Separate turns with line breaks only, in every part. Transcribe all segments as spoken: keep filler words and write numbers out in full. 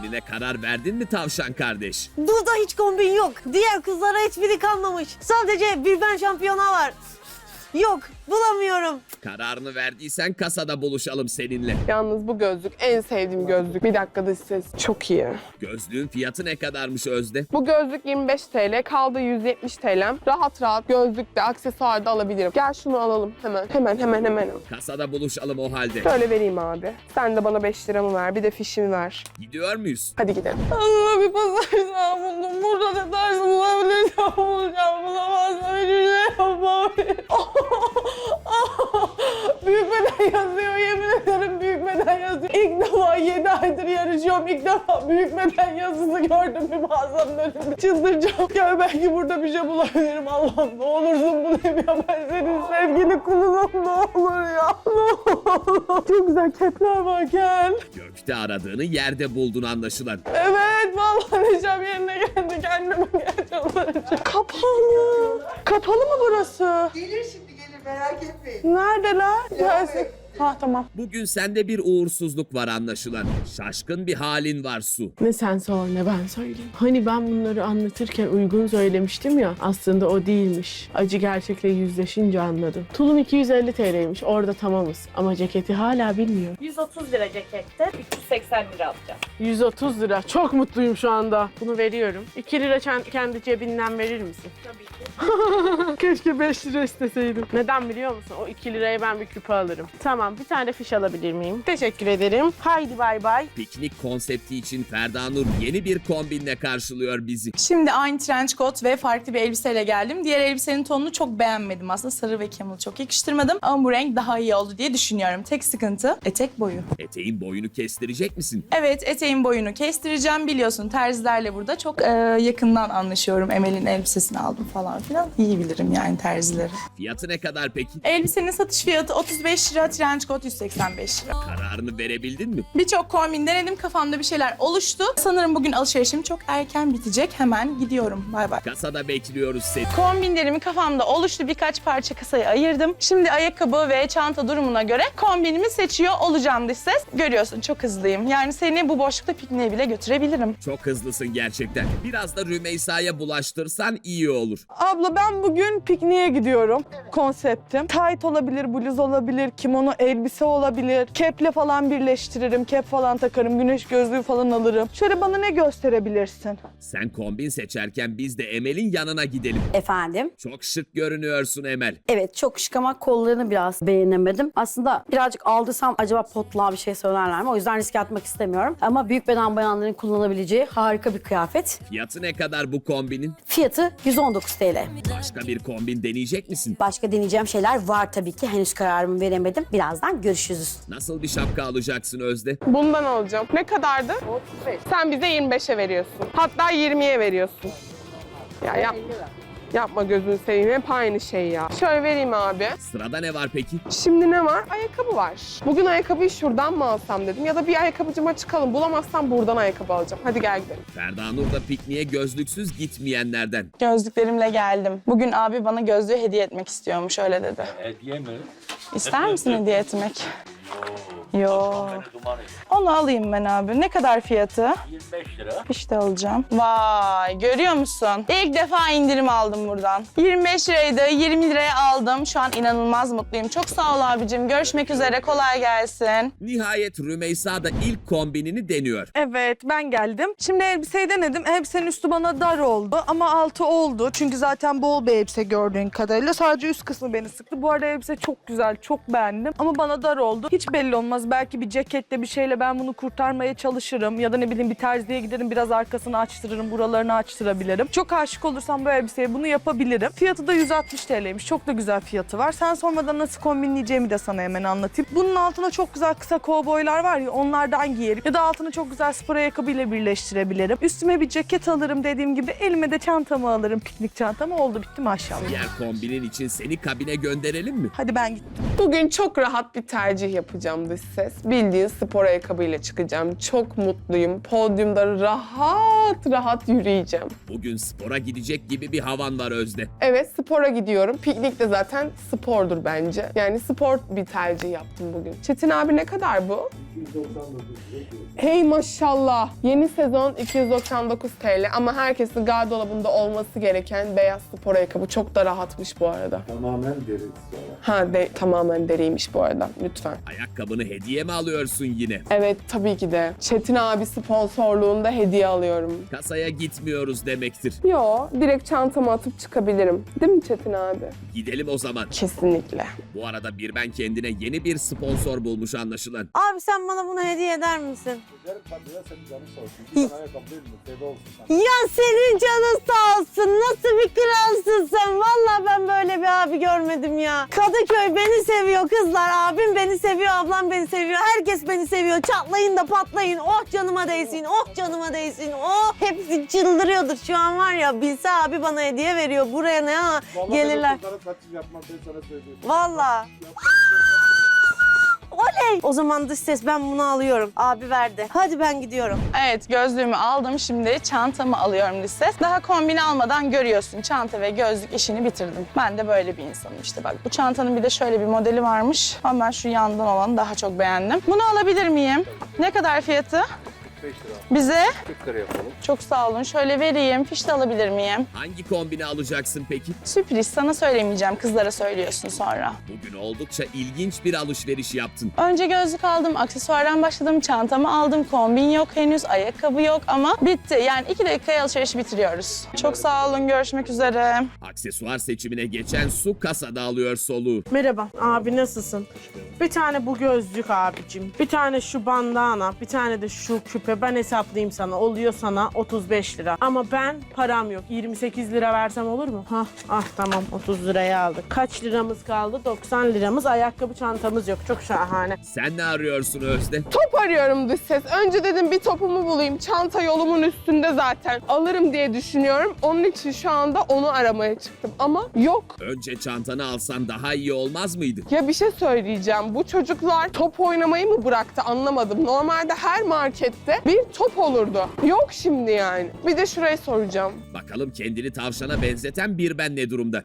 Kombinine karar verdin mi tavşan kardeş?
Burada hiç kombin yok. Diğer kızlara hiçbiri kalmamış. Sadece bir ben şampiyona var. Yok, bulamıyorum.
Kararını verdiysen kasada buluşalım seninle.
Yalnız bu gözlük en sevdiğim gözlük. Bir dakika dış ses. Çok iyi.
Gözlüğün fiyatı ne kadarmış Özde?
Bu gözlük yirmi beş TL, kaldı yüz yetmiş T L'm. Rahat rahat gözlükte, aksesuarda alabilirim. Gel şunu alalım hemen. Hemen hemen hemen.
Kasada buluşalım o halde.
Şöyle vereyim abi. Sen de bana beş liramı ver, bir de fişimi ver.
Gidiyor muyuz?
Hadi gidelim. Allah bir pazar daha buldum. Burada ne tarz bulabilirsem bulacağım. Bulamazsam hiçbir şey yapmam. Büyük beden yazıyor, yemin ederim büyük beden yazıyor. İlk defa yedi aydır yarışıyorum. İlk defa büyük beden yazısı gördüm bir mağazanın önünde. Çıldıracağım. Ya belki burada bir şey bulabilirim. Allah'ım ne olursun bulayım ya. Ben senin sevgili kulunum, ne olur ya. Ne olur. Çok güzel kepler var, gel.
Gökte aradığını yerde buldun anlaşılan.
Evet, vallahi neşem yerine geldi. Kendime gel çıldıracağım. Kapalı. Kapalı mı burası?
Gelir şimdi gelir, merak etmeyin.
Neredeler? Gelsin. Ha tamam.
Bugün sende bir uğursuzluk var anlaşılan. Şaşkın bir halin var Su.
Ne sen sor ne ben söyleyeyim. Hani ben bunları anlatırken uygun söylemiştim ya. Aslında o değilmiş. Acı gerçekle yüzleşince anladım. Tulum iki yüz elli T L'ymiş. Orada tamamız. Ama ceketi hala bilmiyorum.
yüz otuz lira cekette, üç yüz seksen lira alacağım.
yüz otuz lira. Çok mutluyum şu anda. Bunu veriyorum. iki lira ken- kendi cebinden verir misin?
Tabii ki.
Keşke beş lira isteseydim. Neden biliyor musun? O iki liraya ben bir küpe alırım. Tamam, bir tane fiş alabilir miyim? Teşekkür ederim. Haydi bay bay.
Piknik konsepti için Ferda Nur yeni bir kombinle karşılıyor bizi.
Şimdi aynı trench coat ve farklı bir elbiseyle geldim. Diğer elbisenin tonunu çok beğenmedim aslında. Sarı ve camel çok yakıştırmadım. Ama bu renk daha iyi oldu diye düşünüyorum. Tek sıkıntı etek boyu.
Eteğin boyunu kestirecek misin?
Evet, eteğin boyunu kestireceğim. Biliyorsun terzilerle burada çok e, yakından anlaşıyorum. Emel'in elbisesini aldım falan filan. İyi bilirim yani terzileri.
Fiyatı ne kadar peki?
Elbisenin satış fiyatı otuz beş lira, trench coat yüz seksen beş lira.
Kararını verebildin mi?
Birçok kombin denedim. Kafamda bir şeyler oluştu. Sanırım bugün alışverişim çok erken bitecek. Hemen gidiyorum. Bay bay.
Kasada bekliyoruz seni.
Kombinlerimi kafamda oluştu. Birkaç parça kasaya ayırdım. Şimdi ayakkabı ve çanta durumuna göre kombinimi seçiyor olacağım dış ses. Görüyorsun çok hızlıyım. Yani seni bu boşlukta pikniğe bile götürebilirim.
Çok hızlısın gerçekten. Biraz da Rümeysa'ya bulaştırsan iyi olur.
Abla ben bugün pikniğe gidiyorum. Konseptim. Tayt olabilir, bluz olabilir, kimono elbise olabilir. Keple falan birleştiririm, kep falan takarım, güneş gözlüğü falan alırım. Şöyle bana ne gösterebilirsin?
Sen kombin seçerken biz de Emel'in yanına gidelim.
Efendim?
Çok şık görünüyorsun Emel.
Evet, çok şık ama kollarını biraz beğenemedim. Aslında birazcık aldırsam acaba potluğa bir şey söylerler mi? O yüzden riske atmak istemiyorum. Ama büyük beden bayanların kullanabileceği harika bir kıyafet.
Fiyatı ne kadar bu kombinin?
Fiyatı yüz on dokuz T L.
Başka bir kombin deneyecek misin?
Başka deneyeceğim şeyler var tabii ki. Henüz kararımı veremedim. Birazdan görüşürüz.
Nasıl bir şapka alacaksın Özde?
Bundan alacağım. Ne kadardı?
otuz beş.
Sen bize yirmi beşe veriyorsun. Hatta yirmiye veriyorsun. Ya yap. Yapma gözünü seveyim. Hep aynı şey ya. Şöyle vereyim abi.
Sırada ne var peki?
Şimdi ne var? Ayakkabı var. Bugün ayakkabıyı şuradan mı alsam dedim. Ya da bir ayakkabıcıma çıkalım. Bulamazsam buradan ayakkabı alacağım. Hadi gel gidelim.
Ferda Nur da pikniğe gözlüksüz gitmeyenlerden.
Gözlüklerimle geldim. Bugün abi bana gözlüğü hediye etmek istiyormuş, öyle dedi.
Hediye mi?
İster misin hediye etmek? Yo.
Beni duman et.
Onu alayım ben abi. Ne kadar fiyatı?
yirmi beş lira.
İşte alacağım. Vay, görüyor musun? İlk defa indirim aldım buradan. yirmi beş liraydı, yirmi liraya aldım. Şu an inanılmaz mutluyum. Çok sağ ol abicim. Görüşmek üzere, kolay gelsin.
Nihayet Rümeysa da ilk kombinini deniyor.
Evet, ben geldim. Şimdi elbiseyi denedim. Elbisenin üstü bana dar oldu ama altı oldu. Çünkü zaten bol bir elbise gördüğün kadarıyla. Sadece üst kısmı beni sıktı. Bu arada elbise çok güzel, çok beğendim. Ama bana dar oldu. Hiç belli olmaz. Belki bir ceketle bir şeyle ben bunu kurtarmaya çalışırım. Ya da ne bileyim bir terziye giderim, biraz arkasını açtırırım, buralarını açtırabilirim. Çok aşık olursam bu elbiseye bunu yapabilirim. Fiyatı da yüz altmış T L'ymiş. Çok da güzel fiyatı var. Sen sormadan nasıl kombinleyeceğimi de sana hemen anlatayım. Bunun altına çok güzel kısa kovboylar var ya, onlardan giyerim. Ya da altına çok güzel spor ayakkabıyla birleştirebilirim. Üstüme bir ceket alırım dediğim gibi. Elime de çantamı alırım, piknik çantamı. Oldu bitti maşallah.
Diğer kombinin için seni kabine gönderelim mi?
Hadi ben gittim.
Bugün çok rahat bir tercih yapacağım dış ses. Bildiğin spor ayakkabıyla çıkacağım. Çok mutluyum. Podyumda rahat rahat yürüyeceğim.
Bugün spora gidecek gibi bir havan var Özde.
Evet, spora gidiyorum. Piknik de zaten spordur bence. Yani spor bir tercih yaptım bugün. Çetin abi ne kadar bu? Hey maşallah. Yeni sezon iki yüz doksan dokuz TL ama herkesin gardırobunda olması gereken beyaz spor ayakkabı. Çok da rahatmış bu arada.
Tamamen deri sonra.
Ha de, tamamen deriymiş bu arada. Lütfen.
Ayakkabını hediye mi alıyorsun yine?
Evet tabii ki de. Çetin abi sponsorluğunda hediye alıyorum.
Kasaya gitmiyoruz demektir.
Yo, direkt çantama atıp çıkabilirim. Değil mi Çetin abi?
Gidelim o zaman.
Kesinlikle.
Bu arada bir ben kendine yeni bir sponsor bulmuş anlaşılan.
Abi sen bana bunu hediye eder misin?
Ederim tabii ya, senin canın sağ olsun. Bir tane ayakkabı değil mi? Feda olsun sana.
Ya senin canın sağ olsun. Nasıl bir kralsın sen? Vallahi ben böyle bir abi görmedim ya. Kadıköy beni seviyor kızlar. Abim beni seviyor, ablam beni seviyor. Herkes beni seviyor. Çatlayın da patlayın. Oh canıma değsin, oh canıma değsin. Oh hepsi çıldırıyordur şu an var ya. Bilse abi bana hediye veriyor. Buraya ne ha?
Vallahi
Gelirler.
ben o kızlara kaçış yapmam, ben sana söyleyeyim.
Vallahi. Oley! O zaman dış ses ben bunu alıyorum. Abi verdi. Hadi ben gidiyorum.
Evet, gözlüğümü aldım. Şimdi çantamı alıyorum lise. Daha kombini almadan görüyorsun. Çanta ve gözlük işini bitirdim. Ben de böyle bir insanım işte bak. Bu çantanın bir de şöyle bir modeli varmış. Ama ben şu yandan olanı daha çok beğendim. Bunu alabilir miyim? Ne kadar fiyatı?
beş lira.
Bize?
kırk lira yapalım.
Çok sağ olun. Şöyle vereyim. Fiş de alabilir miyim?
Hangi kombini alacaksın peki?
Sürpriz. Sana söylemeyeceğim. Kızlara söylüyorsun sonra.
Bugün oldukça ilginç bir alışveriş yaptın.
Önce gözlük aldım, aksesuardan başladım, çantamı aldım, kombin yok henüz, ayakkabı yok ama bitti. Yani iki dakikaya alışverişi bitiriyoruz. Çok sağ olun, görüşmek üzere.
Aksesuar seçimine geçen Su kasada alıyor soluğu.
Merhaba abi, nasılsın? Bir tane bu gözlük abicim. Bir tane şu bandana, bir tane de şu küpe. Ben hesaplayayım sana. Oluyor sana otuz beş lira. Ama ben param yok. yirmi sekiz lira versem olur mu? Hah, ah tamam otuz liraya aldık. Kaç liramız kaldı? doksan liramız. Ayakkabı çantamız yok. Çok şahane.
Sen ne arıyorsun Özde?
Top arıyorum dış ses. Önce dedim bir topumu bulayım. Çanta yolumun üstünde zaten. Alırım diye düşünüyorum. Onun için şu anda onu aramaya çıktım. Ama yok.
Önce çantanı alsan daha iyi olmaz mıydı?
Ya bir şey söyleyeceğim. Bu çocuklar top oynamayı mı bıraktı anlamadım. Normalde her markette bir top olurdu. Yok şimdi yani. Bir de şurayı soracağım.
Bakalım kendini tavşana benzeten bir ben ne durumda?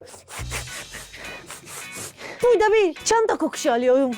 Burada bir çanta kokusu alıyorum.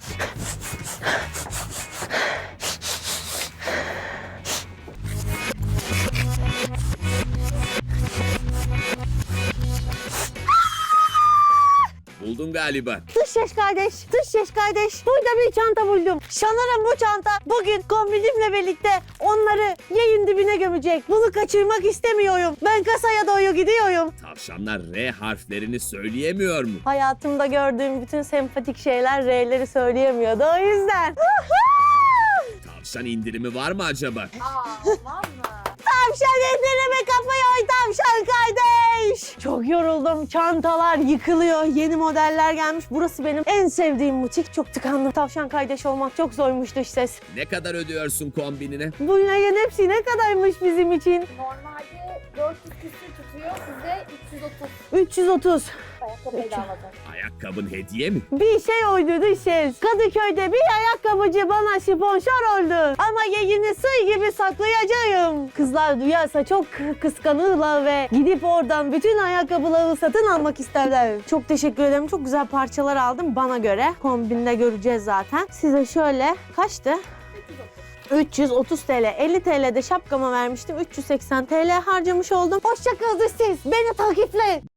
Buldun galiba.
Dış ses kardeş, dış ses kardeş. Burada bir çanta buldum. Sanırım bu çanta bugün kombinimle birlikte onları yayın dibine gömecek. Bunu kaçırmak istemiyorum. Ben kasaya doğru gidiyorum.
Tavşanlar R harflerini söyleyemiyor mu?
Hayatımda gördüğüm bütün sempatik şeyler R'leri söyleyemiyordu o yüzden.
Tavşan indirimi var mı acaba?
Tavşan indirime kapıyor tavşan kardeş. Çok yoruldum. Çantalar yıkılıyor. Yeni modeller gelmiş. Burası benim en sevdiğim butik. Çok tıkandım. Tavşan kardeş olmak çok zormuş dış ses.
Ne kadar ödüyorsun kombinine?
Bu yayın hepsi ne kadarmış bizim için?
Normalde dört yüz küsür tutuyor. Size üç yüz otuz.
üç yüz otuz.
Ayakkabı bedavadan.
Ayakkabın hediye mi?
Bir şey oydu dış ses. Kadıköy'de bir ayakkabıcı bana sponsor oldu. Ama yayını sır gibi saklayacağım. Kızlar duyarsa çok kıskanırlar ve gidip oradan bütün ayakkabıları satın almak isterler. Çok teşekkür ederim. Çok güzel parçalar aldım bana göre. Kombinde göreceğiz zaten. Size şöyle kaçtı? üç yüz otuz TL. elli TL'de şapkama vermiştim. üç yüz seksen TL harcamış oldum. Hoşça kal dış ses. Beni takiple.